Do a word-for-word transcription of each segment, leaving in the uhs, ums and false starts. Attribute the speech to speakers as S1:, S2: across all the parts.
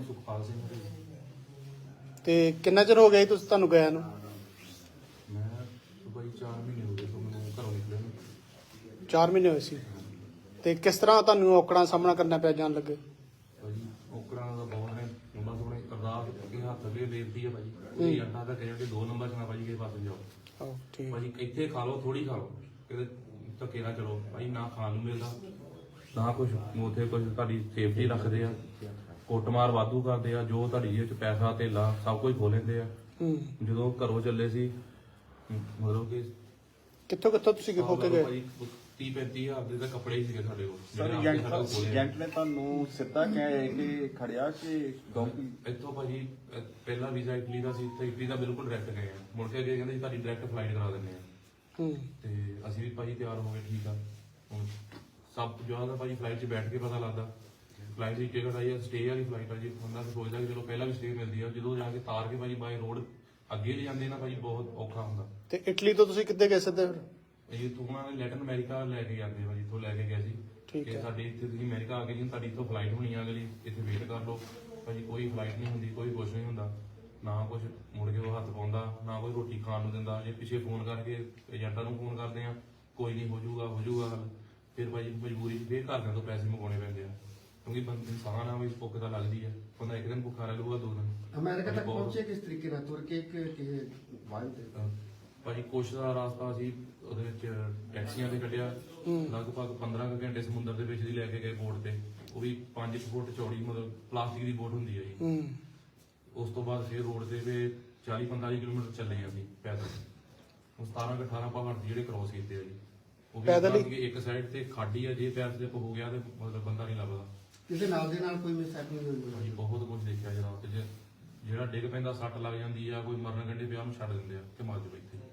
S1: ਨਾਮ ਸੁਖਪਾਲ ਸਿੰਘ ਹੈ।
S2: ਤੇ ਕਿੰਨਾ ਚਿਰ ਹੋ ਗਿਆ ਜੀ ਤੁਸੀਂ ਤੁਹਾਨੂੰ ਗਿਆ ਨੂੰ?
S1: ਮੈਂ ਬਾਈ ਚਾਰ ਮਹੀਨੇ ਹੋ ਗਏ ਤੋਂ ਮੈਨੂੰ ਘਰੋਂ ਨਿਕਲੇ ਨੂੰ।
S2: ਚਾਰ ਮਹੀਨੇ ਹੋਏ ਸੀ। ਤੇ ਕਿਸ ਤਰ੍ਹਾਂ ਤੁਹਾਨੂੰ ਔਕੜਾਂ ਦਾ ਸਾਹਮਣਾ ਕਰਨਾ ਪਿਆ ਜਾਣ ਲੱਗੇ?
S1: ਭਾਜੀ ਔਕੜਾਂ ਦਾ ਬਹੁਤ ਨੇ, ਉਹਨਾਂ ਤੋਂ ਆਪਣੇ ਅਰਦਾਸ ਅੱਗੇ ਹੱਥ ਅੱਗੇ ਬੇਨਤੀ ਹੈ ਭਾਜੀ, ਕੋਈ ਅੱਡਾ ਤਾਂ ਕਹਿੰਦੇ ਦੋ ਨੰਬਰ ਚ ਨਾ ਭਾਜੀ ਕਿਸੇ ਪਾਸੇ ਜਾਓ।
S2: ਆਹੋ ਠੀਕ।
S1: ਭਾਜੀ ਇੱਥੇ ਖਾ ਲਓ, ਥੋੜੀ ਖਾ ਲਓ, ਕਿਤੇ ਧੱਕੇ ਨਾ ਚਲੋ ਭਾਈ, ਨਾ ਖਾਣ ਨੂੰ ਮਿਲਦਾ ਨਾ ਕੁਛ, ਉੱਥੇ ਕੁਛ ਤੁਹਾਡੀ ਸੇਫਟੀ ਰੱਖਦੇ ਆ, ਕੁੱਟਮਾਰ ਵਾਧੂ ਕਰਦੇ ਆ, ਜੋ ਤੁਹਾਡੀ ਜੇਬ ਚ ਪੈਸਾ ਧੇਲਾ ਸਭ ਕੁਝ ਖੋਹ ਲੈਂਦੇ ਆ। ਜਦੋਂ ਘਰੋਂ ਚੱਲੇ ਸੀ ਮਤਲਬ ਕਿ
S2: ਕਿੱਥੋਂ ਕਿੱਥੋਂ ਤੁਸੀਂ ਹੋ ਕੇ ਗਏ?
S1: ਭਾਜੀ ਤੀਹ ਪੈਂਤੀ ਹਜ਼ਾਰ ਦੇ ਤਾਂ ਕੱਪੜੇ ਹੀ ਸੀਗੇ ਸਾਡੇ ਕੋਲ।
S3: ਸਰ ਏਜੰਟ ਨੇ ਤੁਹਾਨੂੰ ਸਿੱਧਾ ਕਿਹਾ ਕਿ ਖੜਿਆ ਕਿ ਡੌਂਕੀ?
S1: ਇੱਥੋਂ ਭਾਜੀ ਅਹ ਪਹਿਲਾ ਵੀਜ਼ਾ ਇਟਲੀ ਦਾ ਸੀ, ਤੇ ਇਟਲੀ ਦਾ ਬਿਲਕੁਲ ਡਾਇਰੈਕਟ ਗਏ ਆ, ਮੁੜ ਕੇ ਅੱਗੇ ਕਹਿੰਦੇ ਜੀ ਤੁਹਾਡੀ ਡਾਇਰੈਕਟ ਫਲਾਈਟ ਕਰਾ ਦਿੰਦੇ ਆ।
S2: ਹੂੰ।
S1: ਤੇ ਅਸੀਂ ਵੀ ਭਾਜੀ ਤਿਆਰ ਹੋ ਗਏ, ਠੀਕ ਆ। ਹੁਣ ਸਭ ਤੋਂ ਜ਼ਿਆਦਾ ਭਾਜੀ ਫਲਾਈਟ 'ਚ ਬੈਠ ਕੇ ਪਤਾ ਲੱਗਦਾ। ਫਲਾਈਟ ਦੀ ਟਿਕਟ ਆਈ ਆ, ਸਟੇ ਵਾਲੀ ਫਲਾਈਟ ਆ ਜੀ, ਉਹਨਾਂ ਨੇ ਸੋਚਦਾ ਕਿ ਚਲੋ ਪਹਿਲਾਂ ਵੀ ਸਟੇ ਮਿਲਦੀ ਆ, ਜਦੋਂ ਜਾ ਕੇ ਤਾਰ ਕੇ ਭਾਜੀ ਬਾਈ ਰੋਡ ਅੱਗੇ ਲੈ ਜਾਂਦੇ ਨਾ ਭਾਜੀ, ਬਹੁਤ ਔਖਾ ਹੁੰਦਾ।
S2: ਤੇ ਇਟਲੀ ਤੋਂ ਤੁਸੀਂ ਕਿੱਥੇ ਗਏ ਸਿੱਧੇ ਫਿਰ?
S1: ਇਹ ਤੋਂ ਉਹਨਾਂ ਨੇ ਲੈਟਨ ਅਮਰੀਕਾ ਲੈ ਕੇ ਜਾਂਦੇ ਭਾਜੀ, ਇੱਥੋਂ ਲੈ ਕੇ ਗਏ ਸੀ
S2: ਠੀਕ
S1: ਕਿ
S2: ਹੈ।
S1: ਸਾਡੇ ਇੱਥੇ ਤੁਸੀਂ ਅਮਰੀਕਾ ਆ ਗਏ ਜੀ, ਤੁਹਾਡੀ ਇੱਥੋਂ ਫਲਾਈਟ ਹੋਣੀ ਆ ਅਗਲੀ, ਇੱਥੇ ਵੇਟ ਕਰ ਲਓ ਭਾਜੀ। ਕੋਈ ਫਲਾਈਟ ਨਹੀਂ ਹੁੰਦੀ, ਕੋਈ ਕੁਛ ਨਹੀਂ ਹੁੰਦਾ, ਨਾ ਕੁਛ ਮੁੜ ਕੇ ਉਹ ਹੱਥ ਪਾਉਂਦਾ, ਨਾ ਕੋਈ ਰੋਟੀ ਖਾਣ ਨੂੰ ਦਿੰਦਾ। ਜੇ ਪਿੱਛੇ ਫੋਨ ਕਰਕੇ ਏਜੰਟਾਂ ਨੂੰ ਫੋਨ ਕਰਦੇ ਆ, ਕੋਈ ਨਹੀਂ ਹੋ ਜਾਊਗਾ ਹੋ ਜਾਊਗਾ ਹੱਲ। ਫਿਰ ਭਾਜੀ ਮਜਬੂਰੀ 'ਚ ਫੇਰ ਘਰਦਿਆਂ ਤੋਂ ਪੈਸੇ ਮੰਗਵਾਉਣੇ ਪੈਂਦੇ ਆ, ਕਿਉਂਕਿ ਬੰਦੇ ਇਨਸਾਨ ਆ, ਵੀ ਭੁੱਖ ਤਾਂ ਲੱਗਦੀ ਹੈ। ਬੰਦਾ ਇੱਕ ਦਿਨ ਭੁੱਖਾ ਰਹਿ ਲੂਗਾ, ਦੋ ਦਿਨ।
S4: ਅਮਰੀਕਾ ਤੱਕ ਪਹੁੰਚੇ ਕਿਸ ਤਰੀਕੇ ਨਾਲ, ਤੁਰ ਕੇ ਕਿ ਕਿਸੇ ਵਾਹਨ ਤੇ?
S1: ਭਾਜੀ ਕੁਛ ਦਾ ਰਾਸਤਾ ਸੀ ਉਹਦੇ ਵਿੱਚ ਟੈਕਸੀਆਂ ਤੇ ਕੱਢਿਆ, ਲਗਭਗ ਪੰਦਰਾਂ ਕੁ ਘੰਟੇ ਸਮੁੰਦਰ ਦੇ ਵਿੱਚ ਦੀ ਲੈ ਕੇ ਗਏ ਬੋਟ ਤੇ, ਉਹ ਵੀ ਪੰਜ ਫੁੱਟ ਚੌੜੀ, ਮਤਲਬ ਪਲਾਸਟਿਕ ਦੀ ਬੋਟ ਹੁੰਦੀ ਹੈ ਜੀ।
S2: ਹੂੰ।
S1: ਉਸ ਤੋਂ ਬਾਅਦ ਫਿਰ ਰੋਡ ਤੇ ਵੀ ਚਾਲੀ ਪੰਤਾਲੀ ਕਿਲੋਮੀਟਰ ਚੱਲੇ ਅਸੀਂ ਪੈਦਲ। ਉਹ ਸਤਾਰਾਂ ਕੁ ਅਠਾਰਾਂ ਪਹਾੜ ਜਿਹੜੇ ਕ੍ਰੋਸ ਕੀਤੇ ਆ ਜੀ, ਉਹ ਵੀ
S2: ਪੈਦਲ ਹੀ?
S1: ਕਿ ਇੱਕ ਸਾਈਡ ਤੇ ਖਾਡੀ ਆ, ਜੇ ਪੈਰ ਸਲਿੱਪ ਹੋ ਗਿਆ ਤੇ ਮਤਲਬ ਬੰਦਾ ਨਹੀਂ ਲੱਭਦਾ।
S4: ਕਿਸੇ ਨਾਲ ਦੇ ਨਾਲ ਕੋਈ ਮਿਸਹੈਪਨਿੰਗ ਹੋਈ?
S1: ਭਾਜੀ ਬਹੁਤ ਕੁਝ ਦੇਖਿਆ ਜਰਾ ਤੇ, ਜੇ ਜਿਹੜਾ ਡਿੱਗ ਪੈਂਦਾ ਸੱਟ ਲੱਗ ਜਾਂਦੀ ਆ, ਕੋਈ ਮਰਨ ਕੰਢੇ ਪਿਆ ਉਹਨੂੰ ਛੱਡ ਦਿੰਦੇ ਆ ਕਿ ਮਰ ਜਾਓ ਇੱਥੇ।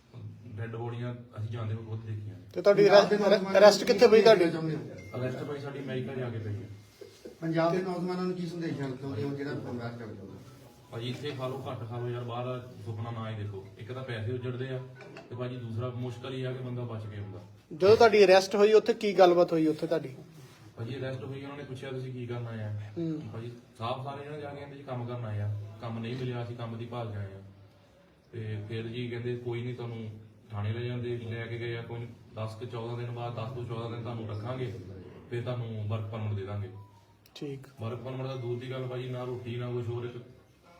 S1: ਡੈਡ ਬੋਡੀਆਂ ਅਸੀਂ ਜਾਂਦੇ ਹੋਏ ਬਹੁਤ ਦੇਖੀਆਂ।
S2: ਤੇ ਤੁਹਾਡੀ ਅਰੈਸਟ ਕਿੱਥੇ ਪਈ ਤੁਹਾਡੀ?
S1: ਅਰੈਸਟ ਭਾਈ ਸਾਡੀ ਅਮਰੀਕਾ ਜਾ ਕੇ ਪਈ ਹੈ।
S4: ਪੰਜਾਬ ਦੇ ਨੌਜਵਾਨਾਂ ਨੂੰ ਕੀ ਸੰਦੇਸ਼ ਦੇਣਾ ਚਾਹੁੰਦੇ ਹੋ ਜਿਹੜਾ ਪ੍ਰਵਾਸ ਕਰਦੇ ਹੋ?
S1: ਭਾਜੀ ਇੱਥੇ ਖਾ ਲਓ, ਘੱਟ ਖਾ ਲਓ ਯਾਰ, ਬਾਹਰ ਦਾ ਸੁਪਨਾ ਨਾ ਹੀ ਦੇਖੋ। ਇੱਕ ਤਾਂ ਪੈਸੇ ਉੱਜੜਦੇ ਆ, ਤੇ ਭਾਜੀ ਦੂਸਰਾ ਮੁਸ਼ਕਲ ਹੀ ਆ ਕਿ ਬੰਦਾ ਬਚ ਕੇ ਹੁੰਦਾ।
S2: ਜਦੋਂ ਤੁਹਾਡੀ ਅਰੈਸਟ ਹੋਈ ਉੱਥੇ ਕੀ ਗੱਲਬਾਤ ਹੋਈ ਉੱਥੇ ਤੁਹਾਡੀ?
S1: ਭਾਜੀ ਅਰੈਸਟ ਹੋਈ, ਉਹਨਾਂ ਨੇ ਪੁੱਛਿਆ ਤੁਸੀਂ ਕੀ ਕਰਨ ਆਏ ਆ?
S2: ਹੂੰ।
S1: ਭਾਜੀ ਸਾਫ ਸਾਰੇ ਜਣੇ ਜਾ ਕੇ ਕਹਿੰਦੇ ਜੀ ਕੰਮ ਕਰਨ ਆਏ ਆ, ਕੰਮ ਨਹੀਂ ਮਿਲਿਆ, ਅਸੀਂ ਕੰਮ ਦੀ ਭਾਲ 'ਚ ਆਏ ਆ। ਤੇ ਫਿਰ ਜੀ ਕਹਿੰਦੇ ਕੋਈ ਨਹੀਂ, ਤੁਹਾਨੂੰ ਥਾਣੇ ਲੈ ਜਾਂਦੇ, ਲੈ ਕੇ ਗਏ ਆ। ਕੋਈ ਦਸ ਕੁ ਚੌਦਾਂ ਦਿਨ ਬਾਅਦ, ਦਸ ਤੋਂ ਚੌਦਾਂ ਦਿਨ ਤੁਹਾਨੂੰ ਰੱਖਾਂਗੇ, ਫਿਰ ਤੁਹਾਨੂੰ ਵਰਕ ਪਰਮਿਟ ਦੇ ਦਾਂਗੇ।
S2: ਠੀਕ।
S1: ਵਰਕ ਪਰਮਿਟ ਦਾ ਦੂਰ ਦੀ ਗੱਲ ਭਾਜੀ, ਨਾ ਰੋਟੀ ਨਾ ਕੁਛ ਹੋਰ। ਇੱਕ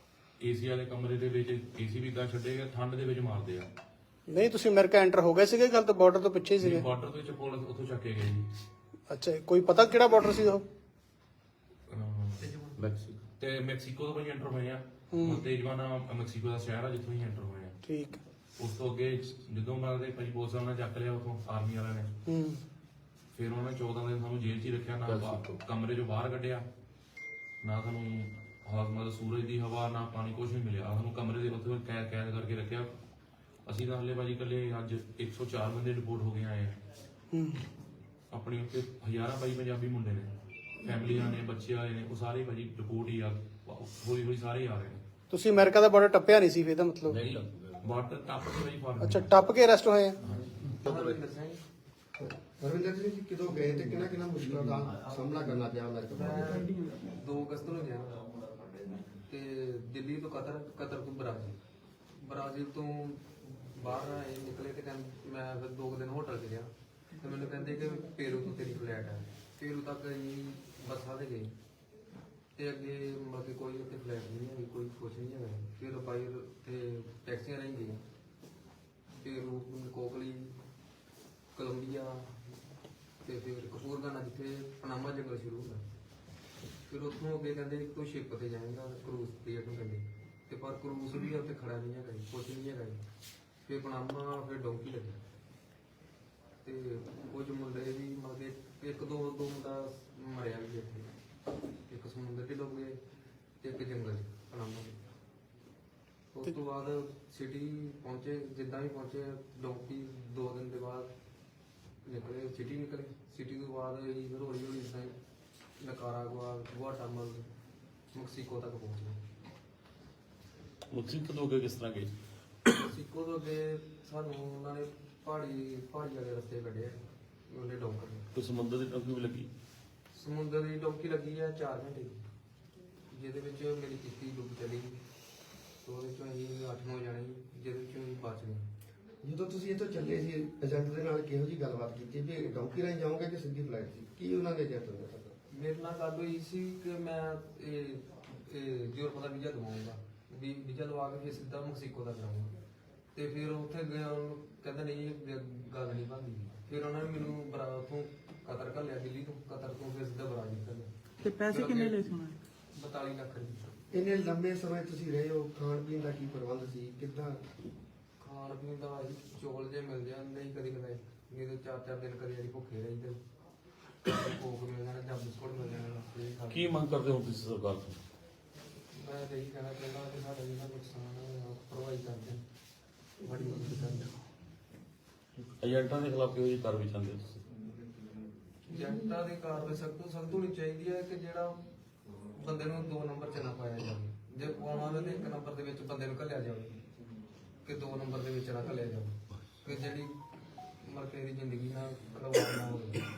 S1: ਏਸੀ ਵਾਲੇ ਕਮਰੇ ਦੇ ਵਿੱਚ ਏਸੀ ਵੀ ਤਾਂ ਛੱਡੇ ਗਏ, ਠੰਡ ਦੇ ਵਿੱਚ ਮਾਰਦੇ ਆ।
S2: ਨਹੀਂ ਤੁਸੀਂ ਅਮਰੀਕਾ ਐਂਟਰ ਹੋ ਗਏ ਸੀਗੇ, ਗੱਲ ਤਾਂ ਬਾਰਡਰ ਤੋਂ ਪਿੱਛੇ ਹੀ ਸੀਗੇ।
S1: ਬਾਰਡਰ ਤੋਂ ਚਪੋਲ ਉੱਥੋਂ ਚੱਕੇ ਗਏ ਜੀ।
S2: ਅੱਛਾ, ਕੋਈ ਪਤਾ ਕਿਹੜਾ ਬਾਰਡਰ ਸੀ ਉਹ?
S1: ਮੈਕਸੀਕੋ ਤੇ ਮੈਕਸੀਕੋ ਤੋਂ ਭਾਜੀ ਐਂਟਰ ਹੋਏ ਆ। ਤੇਜਵਾਨਾ ਮੈਕਸੀਕੋ ਦਾ ਸ਼ਹਿਰ ਆ, ਜਿੱਥੋਂ ਹੀ ਐਂਟਰ ਹੋਏ ਆ।
S2: ਠੀਕ।
S1: ਉਸ ਤੋਂ ਅੱਗੇ ਜਦੋਂ ਉਹਨਾਂ ਦੇ ਭਾਜੀ ਪੁਲਿਸ ਵਾਲਿਆਂ ਨੇ ਚੱਕ ਲਿਆ ਉਥੋਂ, ਆਰਮੀ ਵਾਲਿਆਂ ਨੇ,
S2: ਹੂੰ।
S1: ਫਿਰ ਉਹਨਾਂ ਨੇ ਚੌਦਾਂ ਦਿਨ ਸਾਨੂੰ ਜੇਲ੍ਹ 'ਚ ਹੀ ਰੱਖਿਆ, ਨਾ ਬਾ- ਕਮਰੇ 'ਚੋਂ ਬਾਹਰ ਕੱਢਿਆ, ਨਾ ਸਾਨੂੰ ਹਵਾ, ਮਤਲਬ ਸੂਰਜ ਦੀ ਹਵਾ, ਨਾ ਪਾਣੀ, ਕੁਛ ਨਹੀਂ ਮਿਲਿਆ ਸਾਨੂੰ। ਕਮਰੇ ਦੇ ਉੱਥੇ ਕੈਦ ਕੈਦ ਕਰਕੇ ਰੱਖਿਆ। ਅਸੀਂ ਤਾਂ ਹਲੇ ਭਾਜੀ ਇਕੱਲੇ ਅੱਜ ਇੱਕ ਸੌ ਚਾਰ ਬੰਦੇ ਰਿਪੋਰਟ ਹੋ ਕੇ ਆਏ ਆ।
S2: ਹੂੰ।
S1: ਆਪਣੀ ਉੱਥੇ ਹਜ਼ਾਰਾਂ ਭਾਈ ਪੰਜਾਬੀ ਮੁੰਡੇ ਨੇ, ਫੈਮਲੀਆਂ ਨੇ, ਬੱਚੇ ਆਏ ਨੇ, ਉਹ ਸਾਰੇ ਭਾਜੀ ਰਿਪੋਰਟ ਹੀ ਆ, ਹੌਲੀ ਹੌਲੀ ਸਾਰੇ ਆ ਰਹੇ ਨੇ।
S2: ਤੁਸੀਂ ਅਮਰੀਕਾ ਦਾ ਬਾਰਡਰ ਟੱਪਿਆ ਨਹੀਂ ਸੀ ਫਿਰ ਇਹਦਾ ਮਤਲਬ?
S1: ਬਾਰਡਰ ਟੱਪ ਕੇ ਭਾਜੀ ਫਾਰਮ।
S2: ਅੱਛਾ, ਟੱਪ ਕੇ ਅਰੈਸਟ ਹੋਏ ਆ?
S4: ਰਵਿੰਦਰ ਸਿੰਘ ਜੀ ਕਦੋਂ ਗਏ ਤੇ ਕਿਹਨਾਂ ਕਿਹਨਾਂ ਮੁਸ਼ਕਲਾਂ ਦਾ ਸਾਹਮਣਾ ਕਰਨਾ ਪਿਆ ਅਮਰੀਕਾ ਪਹੁੰਚੇ?
S5: ਦੋ ਅਗਸਤ ਨੂੰ ਗਿਆ ਤੇ ਦਿੱਲੀ ਤੋਂ ਕਤਰ, ਕਤਰ ਤੋਂ ਬ੍ਰਾਜ਼ੀਲ, ਬ੍ਰਾਜ਼ੀਲ ਤੋਂ ਬਾਹਰ ਆਏ ਨਿਕਲੇ ਤੇ ਕਹਿੰਦੇ, ਮੈਂ ਫਿਰ ਦੋ ਦਿਨ ਹੋਟਲ 'ਚ ਰਿਹਾ ਤੇ ਮੈਨੂੰ ਕਹਿੰਦੇ ਕਿ ਪੇਰੂ ਤੋਂ ਤੇਰੀ ਫਲੈਟ ਹੈ। ਪੇਰੂ ਤੱਕ ਅਸੀਂ ਬੱਸਾਂ 'ਤੇ ਗਏ ਤੇ ਅੱਗੇ ਮਤਲਬ ਕਿ ਕੋਈ ਉੱਥੇ ਫਲੈਟ ਨਹੀਂ ਹੈਗੀ, ਕੋਈ ਕੁਛ ਨਹੀਂ ਹੈਗਾ। ਫਿਰ ਬਾਈ ਤੇ ਟੈਕਸੀਆਂ ਰਾਹੀਂ ਗਏ ਪੇਰੂ, ਕੋਕਲੀ, ਕੋਲੰਬੀਆ ਤੇ ਫਿਰ ਕਪੂਰਗਾਨਾ, ਜਿੱਥੇ ਪਨਾਮਾ ਜੰਗਲ ਸ਼ੁਰੂ ਹੁੰਦਾ। ਫਿਰ ਉੱਥੋਂ ਅੱਗੇ ਕਹਿੰਦੇ ਤੂੰ ਸ਼ਿਪ ਤੇ ਜਾਏਗਾ, ਕਰੂਜ਼ ਤੇ ਨੂੰ ਕਹਿੰਦੇ, ਤੇ ਪਰ ਕਰੂਜ਼ ਵੀ ਉੱਥੇ ਖੜਾ ਨਹੀਂ ਹੈਗਾ, ਕੁਛ ਨਹੀਂ ਹੈਗਾ। ਫਿਰ ਪਨਾਮਾ, ਫਿਰ ਡੌਂਕੀ ਲੱਗੇ ਤੇ ਕੁਝ ਮੁੰਡੇ ਵੀ ਮਤਲਬ ਇੱਕ ਦੋ ਦੋ ਮੁੰਡਾ ਮਰਿਆ ਵੀ ਇੱਥੇ, ਇੱਕ ਸਮੁੰਦਰ 'ਚ ਡੁੱਬ ਗਏ ਤੇ ਇੱਕ ਜੰਗਲ 'ਚ ਪਨਾਮਾ। ਉਸ ਤੋਂ ਬਾਅਦ ਸਿਟੀ ਪਹੁੰਚੇ, ਜਿੱਦਾਂ ਵੀ ਪਹੁੰਚੇ ਡੌਂਕੀ, ਦੋ ਦਿਨ ਦੇ ਬਾਅਦ ਨਿਕਲੇ, ਸਿਟੀ ਨਿਕਲੇ। ਸਿਟੀ ਤੋਂ ਬਾਅਦ ਅਸੀਂ ਫਿਰ ਹੌਲੀ ਹੌਲੀ ਇੱਦਾਂ ਹੀ ਨਿਕਾਰਾਗੁਆ, ਗੁਆਟਾਮਲ, ਮੈਕਸੀਕੋ ਤੱਕ ਪਹੁੰਚ ਗਏ।
S3: ਮੈਕਸੀਕੋ ਤੋਂ ਅੱਗੇ ਕਿਸ ਤਰ੍ਹਾਂ ਗਏ?
S5: ਮੈਕਸੀਕੋ ਤੋਂ ਅੱਗੇ ਸਾਨੂੰ ਉਹਨਾਂ ਨੇ ਪਹਾੜੀ ਪਹਾੜੀ ਵਾਲੇ ਰਸਤੇ ਕੱਢੇ, ਉਹਨੇ ਡੌਂਕਰ ਨੇ।
S3: ਕੋਈ ਸਮੁੰਦਰ ਦੀ ਟੋਕੀ ਵੀ ਲੱਗੀ?
S5: ਸਮੁੰਦਰ ਦੀ ਡੌਂਕੀ ਲੱਗੀ ਆ ਚਾਰ ਘੰਟੇ ਦੀ, ਜਿਹਦੇ ਜਿਹਦੇ ਵਿੱਚ ਮੇਰੀ ਕਿਸ਼ਤੀ ਡੁੱਬ ਚਲੀ ਗਈ ਤੇ ਉਹਦੇ ਚੋਂ ਅਸੀਂ ਅੱਠ ਨੌ ਜਾਣੇ ਸੀ, ਜਿਹਦੇ ਵਿੱਚੋਂ ਅਸੀਂ ਬਚ ਗਏ।
S4: ਜਦੋਂ ਤੁਸੀਂ ਇੱਥੋਂ ਚੱਲੇ ਸੀ ਏਜੰਟ ਦੇ ਨਾਲ ਕਿਹੋ ਜੀ ਗੱਲਬਾਤ ਕੀਤੀ ਵੀ ਡੌਂਕੀ ਰਾਹੀਂ ਜਾਓਗੇ ਕਿ ਸਿੱਧੀ ਫਲਾਈਟ ਸੀ? ਕੀ ਉਹਨਾਂ ਦੇ ਏਜੰਟ ਨੇ ਦੱਸਿਆ?
S5: ਮੇਰੇ ਨਾਲ ਗੱਲ ਹੋਈ ਸੀ ਕਿ ਮੈਂ ਇਹ ਇਹ ਯੂਰਪ ਦਾ ਵੀਜ਼ਾ ਦਵਾਉਂਗਾ, ਵੀ ਵੀਜ਼ਾ ਲਵਾ ਕੇ ਫਿਰ ਸਿੱਧਾ ਮੈਕਸੀਕੋ ਦਾ ਕਰਾਉਂਗਾ। ਤੇ ਫਿਰ ਉੱਥੇ ਗਿਆ, ਉਹਨੂੰ ਕਹਿੰਦਾ ਨਹੀਂ ਇਹ ਗੱਲ ਨਹੀਂ ਬਣਦੀ। ਫਿਰ ਉਹਨਾਂ ਨੇ ਮੈਨੂੰ ਬਰਾ ਉੱਥੋਂ ਕਤਰ ਘੱਲਿਆ, ਦਿੱਲੀ ਤੋਂ ਕਤਰ ਤੋਂ ਫਿਰ ਸਿੱਧਾ ਬਰਾਜ਼ੀਲ ਘੱਲਿਆ।
S6: ਤੇ ਪੈਸੇ ਕਿੰਨੇ ਲਏ ਸੀ ਉਹਨਾਂ ਨੇ?
S5: ਬਤਾਲੀ ਲੱਖ ਰੁਪਏ।
S4: ਇੰਨੇ ਲੰਬੇ ਸਮੇਂ ਤੁਸੀਂ ਰਹੇ ਹੋ, ਖਾਣ ਪੀਣ ਦਾ ਕੀ ਪ੍ਰਬੰਧ ਸੀ, ਕਿੱਦਾਂ?
S5: ਖਾਣ ਪੀਣ ਦਾ ਭਾਈ ਚੌਲ ਜੇ ਮਿਲ ਜਾਂਦੇ ਸੀ ਕਦੀ ਕਦਾਈ, ਨਹੀਂ ਤੇ ਚਾਰ ਚਾਰ ਦਿਨ ਕਦੀ ਵਾਰੀ ਭੁੱਖੇ ਰਹੀਦੇ। ਕੋਕ ਮਿਲ ਜਾਣਾ ਜਾਂ ਬਿਸਕੁਟ ਮਿਲ ਜਾਣਾ। ਇਹ ਖਾ ਕੇ
S7: ਕੀ ਮੰਗ ਕਰਦੇ ਹੋ ਤੁਸੀਂ ਸਰਕਾਰ ਤੋਂ?
S5: ਮੈਂ ਤਾਂ ਇਹੀ ਕਹਿਣਾ ਚਾਹੁੰਦਾ ਕਿ ਸਾਡਾ ਜਿਹੜਾ ਨੁਕਸਾਨ ਹੈ ਭਰਵਾਈ ਕਰਦੇ, ਬੜੀ ਮਦਦ ਕਰਦੇ।
S7: ਏਜੰਟਾਂ ਦੇ ਖਿਲਾਫ ਕਿਹੋ ਜਿਹੀ ਕਾਰਵਾਈ ਚਾਹੁੰਦੇ ਹੋ ਤੁਸੀਂ?
S5: ਏਜੰਟਾਂ ਦੀ ਕਾਰਵਾਈ ਸਖਤ ਤੋਂ ਸਖਤ ਹੋਣੀ ਚਾਹੀਦੀ ਹੈ ਕਿ ਜਿਹੜਾ ਬੰਦੇ ਨੂੰ ਦੋ ਨੰਬਰ 'ਚ ਨਾ ਪਾਇਆ ਜਾਵੇ। ਜੇ ਪਾਉਣਾ ਹੋਵੇ ਤਾਂ ਇੱਕ ਨੰਬਰ ਦੇ ਵਿੱਚ ਬੰਦੇ ਨੂੰ ਘੱਲਿਆ ਜਾਵੇ, ਕਿ ਦੋ ਨੰਬਰ ਦੇ ਵਿੱਚ ਨਾ ਘੱਲਿਆ ਜਾਵੇ, ਕਿ ਜਿਹੜੀ ਮਰਕੇ ਦੀ ਜ਼ਿੰਦਗੀ ਨਾਲ ਖਿਲਵਾੜ ਨਾ ਹੋਵੇ।